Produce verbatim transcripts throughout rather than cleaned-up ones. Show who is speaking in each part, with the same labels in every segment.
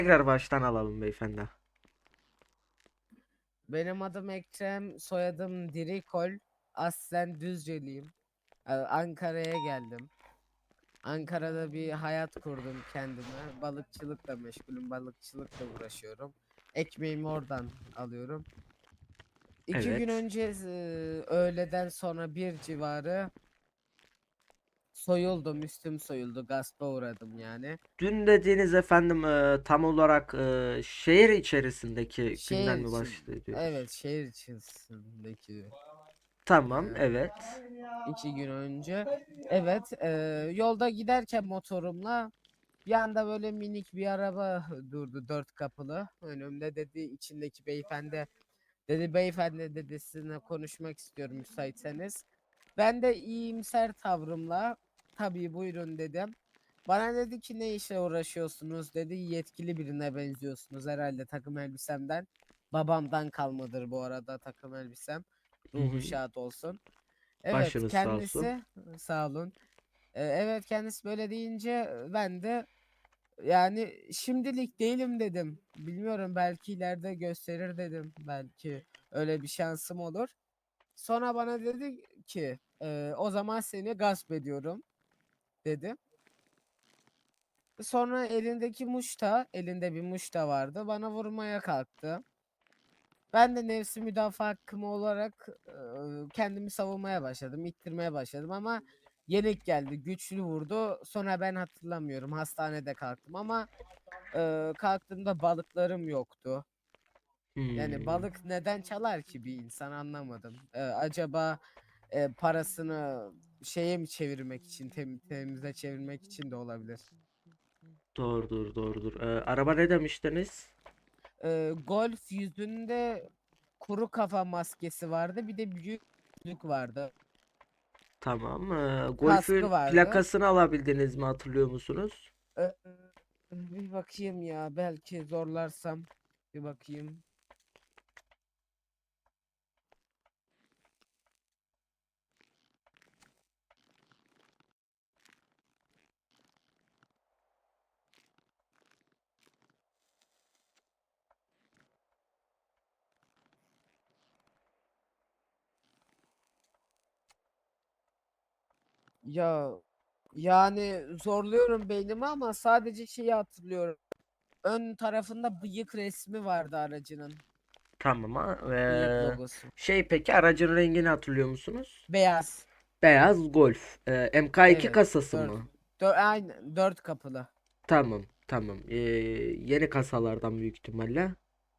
Speaker 1: Tekrar baştan alalım beyefendi.
Speaker 2: Benim adım Ekrem, soyadım Dirikol. Aslen Düzceliyim. Ee, Ankara'ya geldim. Ankara'da bir hayat kurdum kendime. Balıkçılıkla meşgulüm, balıkçılıkla uğraşıyorum. Ekmeğimi oradan alıyorum. İki gün
Speaker 1: Evet.
Speaker 2: önce e, öğleden sonra bir civarı soyuldum, üstüm soyuldu, gaspa uğradım yani.
Speaker 1: Dün dediğiniz efendim e, tam olarak e, şehir içerisindeki günden
Speaker 2: Şehir
Speaker 1: mi
Speaker 2: için, evet
Speaker 1: bahsediyoruz?
Speaker 2: şehir içindeki
Speaker 1: Tamam,
Speaker 2: yani.
Speaker 1: evet.
Speaker 2: iki gün önce. Evet, e, yolda giderken motorumla bir anda böyle minik bir araba durdu, dört kapılı. Önümde, dedi içindeki beyefendi, dedi beyefendi dedi, sizinle konuşmak istiyorum müsaitseniz. Ben de iyimser tavrımla tabii buyurun dedim. Bana dedi ki ne işle uğraşıyorsunuz dedi. Yetkili birine benziyorsunuz herhalde takım elbisemden. Babamdan kalmadır bu arada takım elbisem.
Speaker 1: Hı
Speaker 2: Ruhu
Speaker 1: hı.
Speaker 2: şad olsun. Evet,
Speaker 1: Başınız sağ olsun.
Speaker 2: kendisi sağ olun. Ee, evet, kendisi böyle deyince e, ben de yani şimdilik değilim dedim. Bilmiyorum, belki ileride gösterir dedim. Belki öyle bir şansım olur. Sonra bana dedi ki "E, o zaman seni gasp ediyorum" dedi. Sonra elindeki muşta, elinde bir muşta vardı. Bana vurmaya kalktı. Ben de nefsi müdafaa hakkım olarak e, kendimi savunmaya başladım, ittirmeye başladım ama yenik geldi, güçlü vurdu. Sonra ben hatırlamıyorum, hastanede kalktım ama e, kalktığımda balıklarım yoktu. Yani
Speaker 1: Hmm,
Speaker 2: balık neden çalar ki bir insan, anlamadım. E, acaba e, parasını şeye mi çevirmek için, tem temize çevirmek için de olabilir.
Speaker 1: doğrudur, doğrudur. E, araba ne demiştiniz?
Speaker 2: E, golf yüzünde kuru kafa maskesi vardı, bir de büyük gözlük vardı.
Speaker 1: Tamam. E,
Speaker 2: Kaskı
Speaker 1: Golf'ün
Speaker 2: vardı.
Speaker 1: plakasını alabildiniz mi, hatırlıyor musunuz?
Speaker 2: Ee, bir bakayım ya, belki zorlarsam bir bakayım. Ya yani zorluyorum beynimi ama sadece şeyi hatırlıyorum. Ön tarafında bıyık resmi vardı aracının.
Speaker 1: Tamam. Ha.
Speaker 2: Bıyık
Speaker 1: E,
Speaker 2: logosu.
Speaker 1: şey peki aracın rengini hatırlıyor musunuz?
Speaker 2: Beyaz.
Speaker 1: Beyaz Golf. E, M K iki
Speaker 2: Evet.
Speaker 1: kasası
Speaker 2: Dört.
Speaker 1: mı?
Speaker 2: Dört, aynen dört kapılı.
Speaker 1: Tamam, tamam. Ee, yeni kasalardan büyük ihtimalle.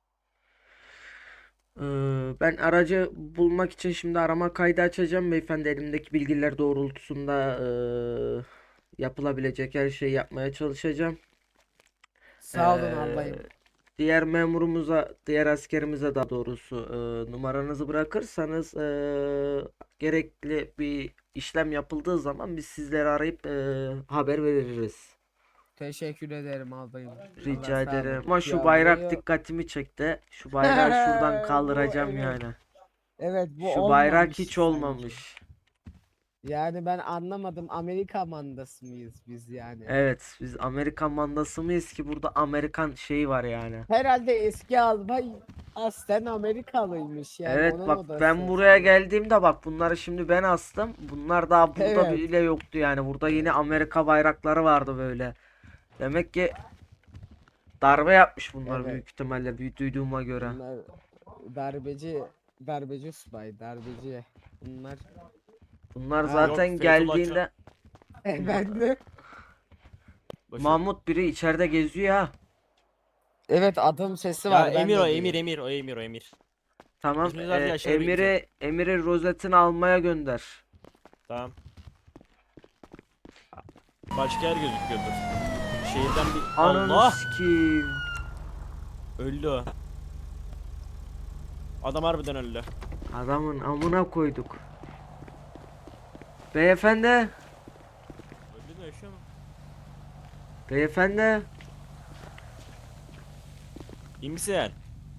Speaker 1: Ee, ben aracı bulmak için şimdi arama kaydı açacağım. Beyefendi elimdeki bilgiler doğrultusunda ee, yapılabilecek her şeyi yapmaya çalışacağım.
Speaker 2: Sağ olun
Speaker 1: Ee,
Speaker 2: albayım.
Speaker 1: diğer memurumuza, diğer askerimize daha doğrusu ee, numaranızı bırakırsanız ee, gerekli bir işlem yapıldığı zaman biz sizleri arayıp ee, haber veririz.
Speaker 2: Teşekkür ederim albayım. Allah
Speaker 1: Rica
Speaker 2: sağ
Speaker 1: ederim.
Speaker 2: olun.
Speaker 1: Ama şu
Speaker 2: Ya
Speaker 1: bayrak
Speaker 2: bu
Speaker 1: dikkatimi çekti. Şu bayrağı şuradan
Speaker 2: bu
Speaker 1: kaldıracağım
Speaker 2: evet.
Speaker 1: yani.
Speaker 2: Evet, bu
Speaker 1: Şu bayrak
Speaker 2: olmamış
Speaker 1: hiç
Speaker 2: sanki.
Speaker 1: olmamış.
Speaker 2: Yani ben anlamadım. Amerika mandası mıyız biz yani?
Speaker 1: Evet, biz Amerikan mandası mıyız ki burada Amerikan şeyi var yani.
Speaker 2: Herhalde eski albay aslen Amerikalıymış, yani
Speaker 1: Evet
Speaker 2: onun
Speaker 1: bak ben
Speaker 2: odası
Speaker 1: buraya
Speaker 2: sanırım.
Speaker 1: geldiğimde bak bunları şimdi ben astım. Bunlar daha burada
Speaker 2: Evet.
Speaker 1: bile yoktu yani. Burada yine Amerika bayrakları vardı böyle. Demek ki darbe yapmış bunlar
Speaker 2: Evet.
Speaker 1: büyük ihtimalle büyük duyduğuma göre.
Speaker 2: Bunlar darbeci, darbeci subay, darbeci. Bunlar.
Speaker 1: Bunlar
Speaker 2: Ha.
Speaker 3: Yok
Speaker 1: zaten
Speaker 3: Fethullahçı.
Speaker 1: geldiğinde
Speaker 2: Efendim.
Speaker 3: Boşver.
Speaker 1: Mahmut biri içeride geziyor ha.
Speaker 2: Evet, adım sesi
Speaker 3: Ya
Speaker 2: var, ben
Speaker 3: Emir o
Speaker 2: de
Speaker 3: Emir
Speaker 2: duyuyorum.
Speaker 3: Emir o Emir o Emir.
Speaker 1: Tamam.
Speaker 3: İsminizi
Speaker 1: E,
Speaker 3: verdi aşağı doğru gideceğim.
Speaker 1: Emir'i Emir'i rozetini almaya gönder.
Speaker 3: Tamam. Başka yer gözüküyordur. Şehirden bir
Speaker 1: Ananı
Speaker 3: Allah
Speaker 1: sikeyim.
Speaker 3: öldü o. Adam harbiden öldü.
Speaker 1: Adamın amına koyduk. Beyefendi.
Speaker 3: Öldü mü yaşıyor mu?
Speaker 1: Beyefendi.
Speaker 3: İyi misin?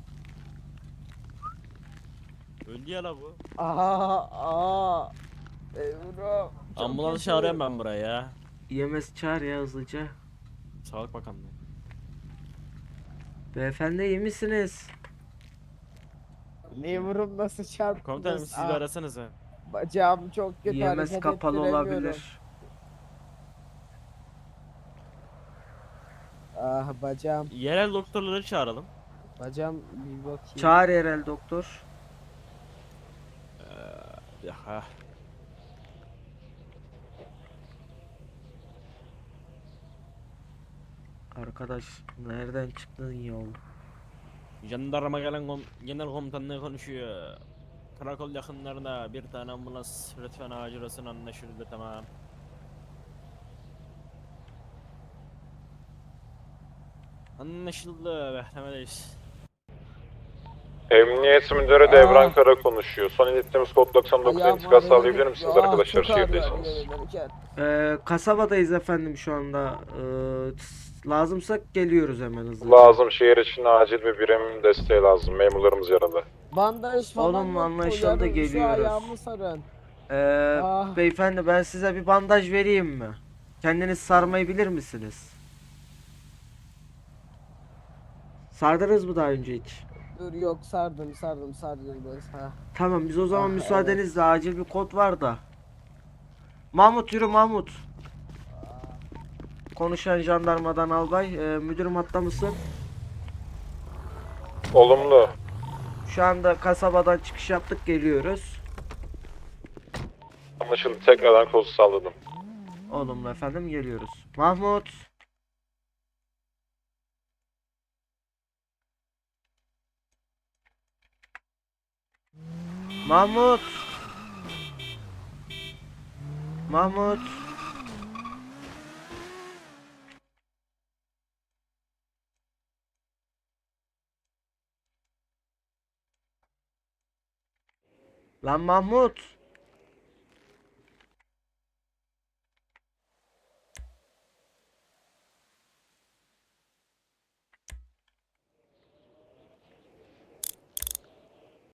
Speaker 3: Öldü ya la bu.
Speaker 2: Aa, aa. Ebru, çok
Speaker 3: Ambulans
Speaker 2: kötü.
Speaker 3: çağırıyorum ben buraya ya.
Speaker 1: E M S çağır ya hızlıca.
Speaker 3: Sağlık Bakanlığı.
Speaker 1: Beyefendi iyi misiniz?
Speaker 2: Liver'ım nasıl çarptınız?
Speaker 3: Komutanım siz bir
Speaker 2: Ah,
Speaker 3: arasanıza.
Speaker 2: bacağım çok kötü,
Speaker 1: Yemez
Speaker 2: hareket
Speaker 1: kapalı
Speaker 2: ettiremiyorum.
Speaker 1: olabilir.
Speaker 2: Ah bacağım.
Speaker 3: Yerel doktorları çağıralım.
Speaker 2: Bacağım bir bakayım.
Speaker 1: Çağır yerel doktor.
Speaker 3: Ee, ya, ha.
Speaker 1: Arkadaş nereden çıktın ya?
Speaker 3: Jandarma gelen kom genel komutanlığı konuşuyor. Karakol yakınlarında bir tane ambulans lütfen acil olsun, anlaşıldı, tamam. Anlaşıldı, beklemedeyiz.
Speaker 4: Emniyet Müdürü Devran
Speaker 2: Ah.
Speaker 4: Kara konuşuyor. Son ilettiğimiz kod doksan dokuz
Speaker 2: Ayağım
Speaker 4: intikal
Speaker 2: ağrıyor.
Speaker 4: sağlayabilir misiniz
Speaker 2: Ah,
Speaker 4: arkadaşlar
Speaker 2: çok ağrıyor
Speaker 4: şehirdeyseniz?
Speaker 2: hareket ederken.
Speaker 1: Ee, kasabadayız efendim şu anda. Ee, s- lazımsak geliyoruz hemen hızlıca.
Speaker 4: Lazım, şehir için acil bir birim desteği lazım. Memurlarımız yaralı.
Speaker 2: Bandaj falan
Speaker 1: Oğlum,
Speaker 2: yok mu?
Speaker 1: anlaşıldı,
Speaker 2: Yarın şu
Speaker 1: geliyoruz.
Speaker 2: ayağımı sarın.
Speaker 1: Ee,
Speaker 2: Ah.
Speaker 1: beyefendi ben size bir bandaj vereyim mi? Kendiniz sarmayı bilir misiniz? Sardınız mı daha önce hiç?
Speaker 2: Dur yok, sardım sardım sardım biraz. Ha.
Speaker 1: Tamam biz o zaman
Speaker 2: Ah,
Speaker 1: müsaadenizle acil bir kod var da. Mahmut yürü Mahmut. Konuşan jandarmadan albay. Ee, müdürüm hatta mısın?
Speaker 4: Olumlu.
Speaker 1: Şu anda kasabadan çıkış yaptık, geliyoruz.
Speaker 4: Anlaşıldı. Tekrardan kodu sağladım.
Speaker 1: Olumlu efendim, geliyoruz. Mahmut. Mahmut. Mahmut. Lan Mahmut.